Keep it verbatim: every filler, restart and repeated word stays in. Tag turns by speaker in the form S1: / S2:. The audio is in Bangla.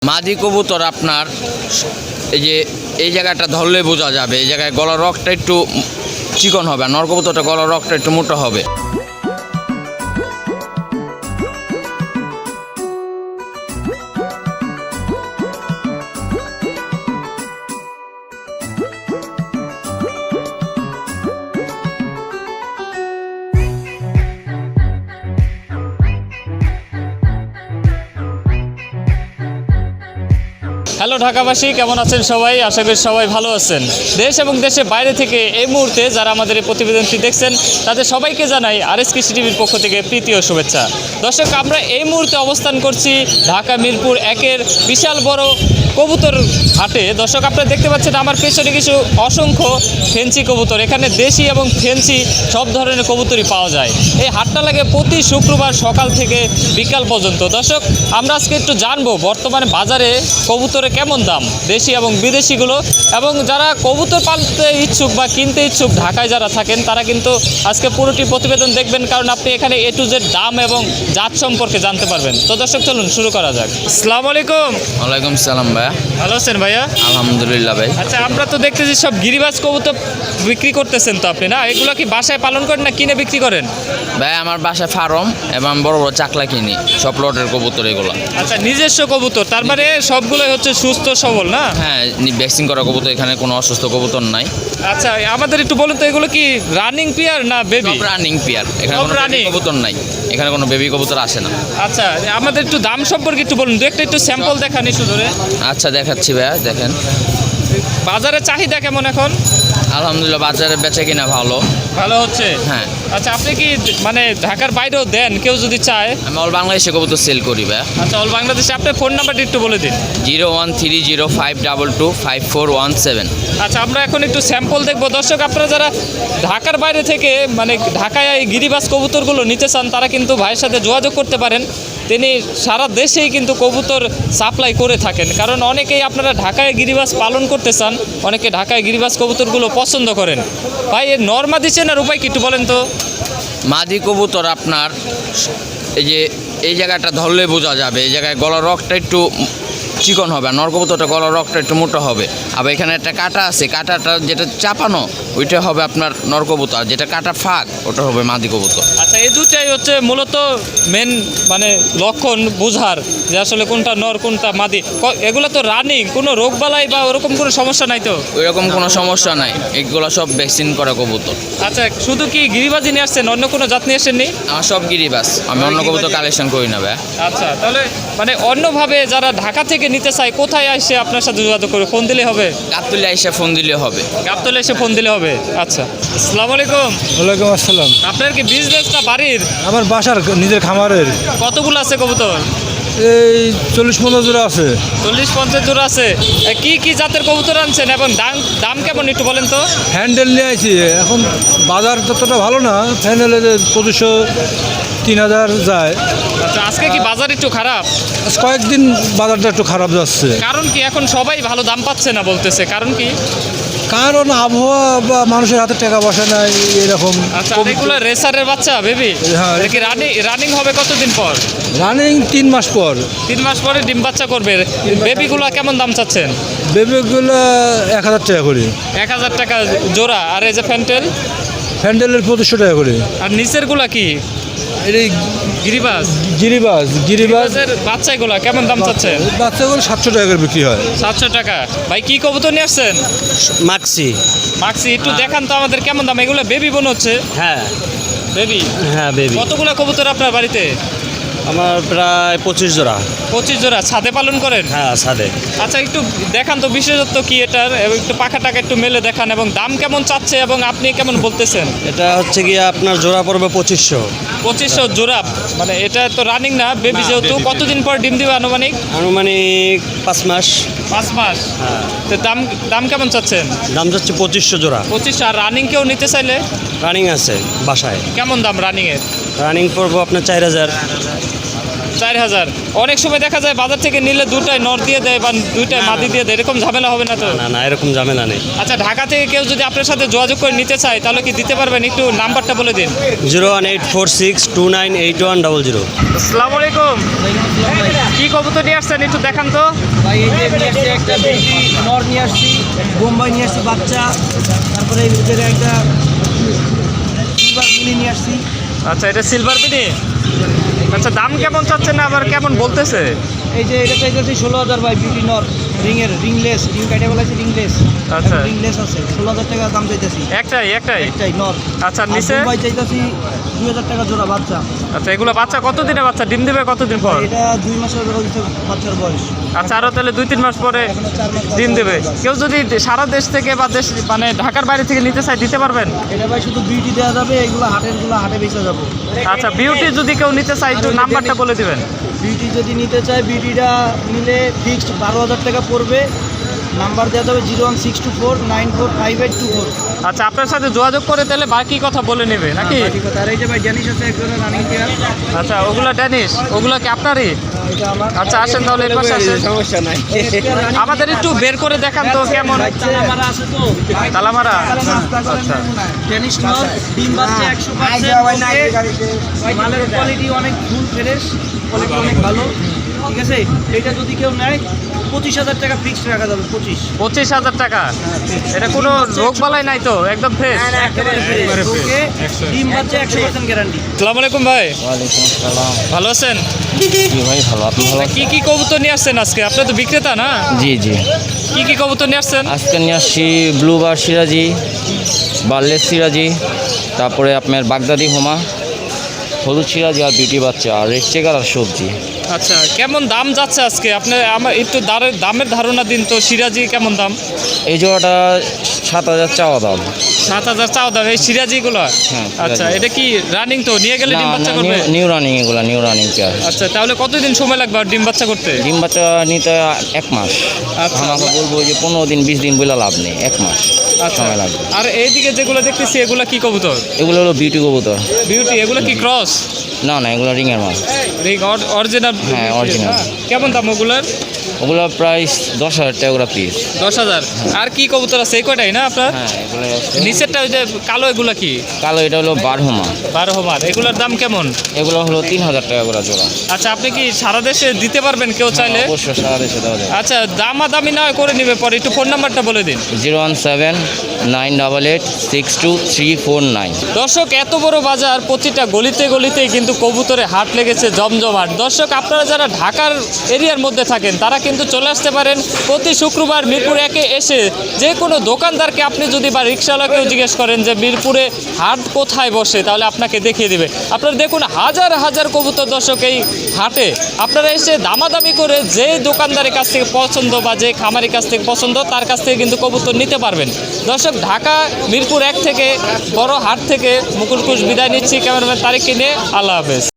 S1: মাদি কবুতর আপনার এই যে এই জায়গাটা ধরলে বোঝা যাবে, এই জায়গায় গলার রগটা একটু চিকন হবে, আর নর কবুতরটা গলার রগটা একটু মোটা হবে।
S2: হ্যালো ঢাকাবাসী, কেমন আছেন সবাই? আশা করি সবাই ভালো আছেন। দেশ এবং দেশের বাইরে থেকে এই মুহূর্তে যারা আমাদের এই প্রতিবেদনটি দেখছেন তাদের সবাইকে জানাই আর এস কৃষি টিভির পক্ষ থেকে প্রীতি ও শুভেচ্ছা। দর্শক, আমরা এই মুহূর্তে অবস্থান করছি ঢাকা মিরপুর একের বিশাল বড় কবুতর হাটে। দর্শক, আপনারা দেখতে পাচ্ছেন আমার পেছনে কিছু অসংখ্য ফেন্সি কবুতর। এখানে দেশি এবং ফেন্সি সব ধরনের কবুতরই পাওয়া যায়। এই হাটটা লাগে প্রতি শুক্রবার সকাল থেকে বিকাল পর্যন্ত। দর্শক, আমরা আজকে একটু জানবো বর্তমানে বাজারে কবুতরের কেমন দাম, দেশি এবং বিদেশিগুলো, এবং যারা কবুতর পালতে ইচ্ছুক বা কিনতে ইচ্ছুক ঢাকায় যারা থাকেন তারা কিন্তু আজকে পুরোটি প্রতিবেদন দেখবেন, কারণ আপনি এখানে এ টু জেড দাম এবং জাত সম্পর্কে জানতে পারবেন। তো দর্শক, চলুন শুরু করা যাক। আসসালামু আলাইকুম।
S1: ওয়ালাইকুম সালাম ভাইয়া।
S2: ভালো আছেন ভাইয়া?
S1: আলহামদুলিল্লাহ ভাই।
S2: আচ্ছা, আমরা তো দেখতেছি সব গিরিবাজ কবুতর বিক্রি করতেছেন তো আপনি, না? এগুলো কি বাসায় পালন করেন না কিনে বিক্রি করেন?
S1: ভাই আমার বাসায় ফার্ম এবং বড় বড় চাকলা কিনি, সব লটের কবুতর এগুলো।
S2: আচ্ছা, নিজস্ব কবুতর, তার মানে সবগুলোই হচ্ছে সুস্থ সবল, না?
S1: হ্যাঁ, ভ্যাকসিন করা কবুতর, এখানে কোনো অসুস্থ কবুতর নাই।
S2: আচ্ছা, আমাদের একটু বলুন তো, এগুলো কি রানিং পেয়ার না বেবি?
S1: রানিং পেয়ার, এখানে
S2: সব
S1: কোনো রানিং
S2: running?
S1: কবুতর নাই, এখানে কোনো বেবি কবুতর আসে না।
S2: আচ্ছা, আমাদের একটু দাম সম্পর্কে একটু বলুন, দু একটা একটু স্যাম্পল দেখান একটু ধরে।
S1: আচ্ছা দেখাচ্ছি ভাইয়া, দেখেন।
S2: বাজারে চাহিদা কেমন এখন?
S1: আলহামদুলিল্লাহ, বাজারে বেচা কিনা ভালো।
S2: ভালো হচ্ছে?
S1: হ্যাঁ।
S2: আচ্ছা, আপনি কি মানে ঢাকার বাইরেও দেন কেউ যদি চায়?
S1: আমি অল বাংলাদেশে কবুতর সেল করি ভাইয়া।
S2: আচ্ছা, অল বাংলাদেশে আপনার ফোন নাম্বারটা একটু বলে দিন।
S1: Zero one three zero five double two five four one seven.
S2: আচ্ছা, আমরা এখন একটু স্যাম্পল দেখবো। দর্শক, আপনারা যারা ঢাকার বাইরে থেকে মানে ঢাকায় এই গিরিবাজ কবুতরগুলো নিতে চান তারা কিন্তু ভাইয়ের সাথে যোগাযোগ করতে পারেন। তিনি সারা দেশেই কিন্তু কবুতর সাপ্লাই করে থাকেন, কারণ অনেকেই আপনারা ঢাকায় গিরিবাজ পালন করতে চান, অনেকে ঢাকায় গিরিবাজ কবুতরগুলো পছন্দ করেন। ভাই, এর নর্মাদি চেনার উপায় কি একটু বলেন তো?
S1: মাদি কবুতর আপনার এই যে এই জায়গাটা ধরলে বোঝা যাবে, এই জায়গায় গলার রগটা একটু চিকন হবে, আর নর কবুতরটা গলার রগটা একটু মোটা হবে। আবার এখানে একটা কাটা আছে, কাটাটা যেটা চাপানো ওইটা হবে আপনার নর কবুতর, যেটা কাটা ফাঁক ওটা হবে মাদি কবুতর।
S2: আচ্ছা, এই দুটাই হচ্ছে মূলত মেন মানে লক্ষণ বোঝার যে আসলে কোনটা নর কোনটা মাদি। ক- এগুলো তো রানিং, কোনো রোগবালাই বা ওরকম কোনো সমস্যা নাই তো?
S1: ওইরকম কোনো সমস্যা নাই, এগুলো সব ভ্যাকসিন করা কবুতর।
S2: আচ্ছা, শুধু কি গিরিবাজি নিয়ে আসছেন, অন্য কোনো জাত নিয়ে আসেননি?
S1: আমার সব গিরিবাস, আমি অন্য কবুতর কালেকশন করি না ভাই।
S2: আচ্ছা, তাহলে মানে অন্যভাবে যারা ঢাকা থেকে নিতে চায় কোথায় এসে আপনার সাথে যোগাযোগ করে? ফোন দিলে হবে?
S1: গাবতলি এসে ফোন দিলে হবে।
S2: গাবতলে এসে ফোন দিলে হবে। আচ্ছা, আসসালামু আলাইকুম।
S3: ওয়ালাইকুম আসসালাম।
S2: আপনার কি বিজনেস না বাড়ির?
S3: আমার বাসার নিজের খামারের
S2: কতগুলো আছে কবুতর?
S3: এই চল্লিশ পঞ্চাশ জোড়া আছে।
S2: চল্লিশ পঞ্চাশ জোড়া আছে। এ, কি কি জাতের কবুতর আনছেন এবং দাম দাম কেমন একটু বলেন তো?
S3: হ্যান্ডেল নিয়ে আইছি, এখন বাজার ততটা ভালো না, হ্যান্ডেলে পঁচিশশো তিন হাজার যায়।
S2: আচ্ছা, আজকে কি বাজার একটু খারাপ?
S3: আজ কয়েকদিন বাজারটা একটু খারাপ যাচ্ছে।
S2: কারণ কি এখন সবাই ভালো দাম পাচ্ছে না বলতেছে, কারণ কি?
S3: কারণ আবহাওয়া বা মানুষের হাতে টাকা বসে নাই এরকম।
S2: আচ্ছা, আর এগুলো রেসারের বাচ্চা বেবি?
S3: হ্যাঁ।
S2: এটা কি রানিং রানিং হবে কতদিন পর?
S3: রানিং তিন মাস পর।
S2: তিন মাস পরে ডিম বাচ্চা করবে। বেবিগুলো কেমন দাম চাচ্ছেন?
S3: বেবিগুলো এক হাজার টাকা করে,
S2: এক হাজার টাকা জোড়া। আর এই যে ফ্যান্টেল?
S3: হ্যান্ডেলের পঁচিশশো টাকা করে।
S2: আর নিচের গুলা কি
S3: এই
S2: গিরিবাজ?
S3: গিরিবাজ গিরিবাজ
S2: গিরিবাজের বাচ্চাগুলা কেমন দাম চাচ্ছেন?
S3: বাচ্চাগুলো সাতশো টাকা করে বিক্রি হয়।
S2: সাতশো টাকা। ভাই, কি কবুতর নিয়ে আসছেন?
S4: মাক্সি।
S2: মাক্সি, একটু দেখান তো আমাদের কেমন দাম। এগুলো বেবি মনে হচ্ছে।
S4: হ্যাঁ
S2: বেবি?
S4: হ্যাঁ বেবি।
S2: কতগুলো কবুতর আপনার বাড়িতে?
S4: আমার প্রায় পঁচিশ জোড়া।
S2: পঁচিশ জোড়া। ছাদে পালন করেন?
S4: হ্যাঁ সাদে।
S2: আচ্ছা, একটু দেখান তো বিশেষত্ব কি এটার, এবং একটু পাখা টাকা একটু মেলে দেখান, এবং দাম কেমন চাচ্ছে এবং আপনি কেমন বলতেছেন?
S4: এটা হচ্ছে গিয়ে আপনার জোড়া পড়বে পঁচিশশো।
S2: পঁচিশশো জোড়া। মানে এটা তো রানিং না, বেবি যেহেতু। কতদিন পর ডিম দিবে আনুমানিক?
S4: আনুমানিক পাঁচ মাস।
S2: পাঁচ মাস।
S4: হ্যাঁ।
S2: তো দাম দাম কেমন চাচ্ছেন?
S4: দাম যাচ্ছে পঁচিশশো জোড়া।
S2: পঁচিশশো। আর রানিং কেউ নিতে চাইলে
S4: রানিং আছে বাসায়।
S2: কেমন দাম রানিংয়ের?
S4: রানিং পড়বো আপনার চার হাজার।
S2: চার হাজার। অনেক সময় দেখা যায় বাজার থেকে নিলে দুটায় নর দিয়ে দেয় বা দুইটায় মাদি দিয়ে দেয়, এরকম ঝামেলা হবে না তো?
S4: না না, এরকম ঝামেলা নেই।
S2: আচ্ছা, ঢাকা থেকে কেউ যদি আপনার সাথে যোগাযোগ করে নিতে চায় তাহলে কি দিতে পারবেন? একটু নাম্বারটা বলে দিন।
S4: Zero one eight four six two nine eight one double zero.
S2: আসসালামু আলাইকুম। কি কবুতর নিয়ে আসছেন একটু দেখান তো।
S5: ভাই এই যে নিয়ে আসছি একটা বেবি নর নিয়ে আসছি, বোম্বাই নিয়ে আসছি বাচ্চা, তারপরে এই ভিতরে একটা সিলভার মিনি নিয়ে আসছি।
S2: আচ্ছা, এটা সিলভার বিনি। আচ্ছা, দাম কেমন চাচ্ছেন না আবার কেমন বলতেছে?
S5: এই যে এটা চাইতেছি ষোলো হাজার ভাই, বিউটি নর, রিংয়ের রিংলেস, রিং কাটে বলা আছে রিংলেস।
S2: আচ্ছা।
S5: রিংলেস আছে, ষোলো হাজার টাকা দাম চাইতেছি।
S2: একটাই একটাই
S5: একটাই নর।
S2: আচ্ছা,
S5: আর
S2: নিচে?
S5: বোম্বাই চাইতেছি দুই হাজার টাকা জোড়া বাচ্চা।
S2: আচ্ছা, এগুলো বাচ্চা কতদিনে বাচ্চা ডিম দেবে কতদিন পর?
S5: এটা দুই মাসের হচ্ছে বাচ্চার বয়স।
S2: আচ্ছা, আরও তাহলে দুই তিন মাস পরে
S5: এখনো চার মাস বাচ্চা
S2: ডিম দেবে।
S5: বাচ্চা।
S2: কেউ যদি সারা দেশ থেকে বা দেশ মানে ঢাকার বাইরে থেকে নিতে চায় দিতে পারবেন?
S5: এটা ভাই শুধু বিউটি দেওয়া যাবে, এগুলো হাটেরগুলো হাটে বেচা যাবো।
S2: আচ্ছা, বিউটি যদি কেউ নিতে চায় একটু নাম্বারটা বলে দিবেন।
S5: বিউটি যদি নিতে চায়, বিউটিটা নিলে ফিক্সড বারো হাজার টাকা পড়বে। নাম্বার দেওয়া যাবে zero one six two four nine four five eight two four.
S2: আচ্ছা, আপনার সাথে যোগাযোগ করে তাহলে বাকি কথা বলে নেবে নাকি?
S5: আর এই যে ভাই জানিস আছে একজন রানিং প্লেয়ার,
S2: আচ্ছা, ওগুলো ড্যানিশ, ওগুলো কি আপনারই?
S5: এটা আমার।
S2: আচ্ছা, আসেন তাহলে এর পাশে আসেন।
S5: সমস্যা নাই।
S2: আমাদের একটু বের করে দেখান তো কেমন।
S5: আমার আছে তো
S2: তালামারা।
S5: আচ্ছা, টেনিস নর, ডিম বাচ্চা একশো পার্সেন্ট। মালের কোয়ালিটি অনেক ফুল ফ্রেশ, কোয়ালিটি অনেক ভালো। ঠিক আছে, এটা যদি কেউ নেয় পঁচিশ হাজার টাকা ফিক্সড রাখা যাবে। পঁচিশ
S2: পঁচিশ হাজার টাকা। এটা কোনো রোগ বালাই নাই তো? একদম ফ্রেশ।
S5: একেবারে fresh। ওকে, ডিম বাচ্চা একশো পার্সেন্ট গ্যারান্টি।
S2: আসসালামু আলাইকুম ভাই,
S1: ওয়ালাইকুম আসসালাম।
S2: ভালো আছেন?
S1: জি ভাই, ভালো। আপনি ভালো?
S2: কি কি কবুতর নিয়ে আসছেন আজকে? আপনি তো বিক্রেতা না?
S1: জি জি।
S2: কি কি কবুতর নিয়ে আসছেন?
S1: আজকে নিয়ে আসছি ব্লুবার সিরাজি, বার্লেস সিরাজি, তারপরে আপনার বাগদাদি হোমা, হলুদ সিরাজি আর বিউটি বাচ্চা আর রেড চেকার আর সবজি।
S2: আচ্ছা, কেমন দাম যাচ্ছে আজকে? আপনি আমার একটু দারে- দামের ধারণা দিন তো। সিরাজি কেমন দাম?
S1: এই জোড়াটা সাত হাজার চাওয়া দাম।
S2: সাত হাজার চাও দাম এই সিরাজিগুলো?
S1: হ্যাঁ,
S2: আচ্ছা,
S1: সিরাজি।
S2: এটা কি রানিং তো? নিয়ে গেলে ডিম বাচ্চা করবে?
S1: নিউ রানিং, এগুলা নিউ রানিং পেয়ার।
S2: আচ্ছা, তাহলে কতদিন সময় লাগবে আর ডিম বাচ্চা করতে?
S1: ডিম বাচ্চা নিতে এক মাস।
S2: আচ্ছা।
S1: আমাকে বলবো যে পনেরো দিন বিশ দিন বলে লাভ নেই, এক মাস
S2: আচ্ছা,
S1: সময় লাগবে।
S2: আর এইদিকে যেগুলো দেখতেছি এগুলো কি কবুতর?
S1: এগুলো হলো বিউটি কবুতর।
S2: বিউটি, এগুলো কি ক্রস?
S1: না না, এগুলো রিংয়ের মাল।
S2: অরিজিনাল?
S1: হ্যাঁ, original।
S2: কেমন দাম ওগুলোর?
S1: ওগুলো প্রায় দশ হাজার টাকা করে পিস।
S2: দশ হাজার। আর কি কবুতর আছে এই কয়টাই না আপনার?
S1: হ্যাঁ, এগুলো
S2: নিচেরটা ওই যে কালো, এগুলা কি?
S1: কালো, এটা হলো বারহোমা।
S2: বারো হাজার। এগুলোর দাম কেমন?
S1: এগুলো হলো তিন হাজার টাকা করে জোড়া।
S2: আচ্ছা, আপনি কি সারা দেশে দিতে পারবেন কেউ চাইলে?
S1: অবশ্যই সারা দেশে দেওয়া যাবে।
S2: আচ্ছা, দামাদামি না করে নিবে পরে। একটু ফোন নাম্বারটা বলে দিন।
S1: Zero one seven nine double eight six two three four nine.
S2: দর্শক, এত বড় বাজার, প্রতিটা গলিতে গলিতেই কিন্তু কবুতরে হাট লেগেছে জমজমাট। দর্শক, আপনারা যারা ঢাকার এরিয়ার মধ্যে থাকেন তারা কিন্তু চলে আসতে পারেন প্রতি শুক্রবার মিরপুর একে এসে। যে কোনো দোকানদারকে আপনি যদি বা রিক্সাওয়ালাকেও জিজ্ঞেস করেন যে মিরপুরে হাট কোথায় বসে, তাহলে আপনাকে দেখিয়ে দেবে। আপনারা দেখুন হাজার হাজার কবুতর দর্শক এই হাটে। আপনারা এসে দামাদামি করে যে দোকানদারের কাছ থেকে পছন্দ বা যে খামারের কাছ থেকে পছন্দ তার কাছ থেকে কিন্তু কবুতর নিতে পারবেন। দর্শক, ঢাকা মিরপুর এক থেকে বড় হাট থেকে মুকুল কুশ বিদায় নিচ্ছি। ক্যামেরাম্যান তারিক কিনে, আল্লাহ হাফেজ।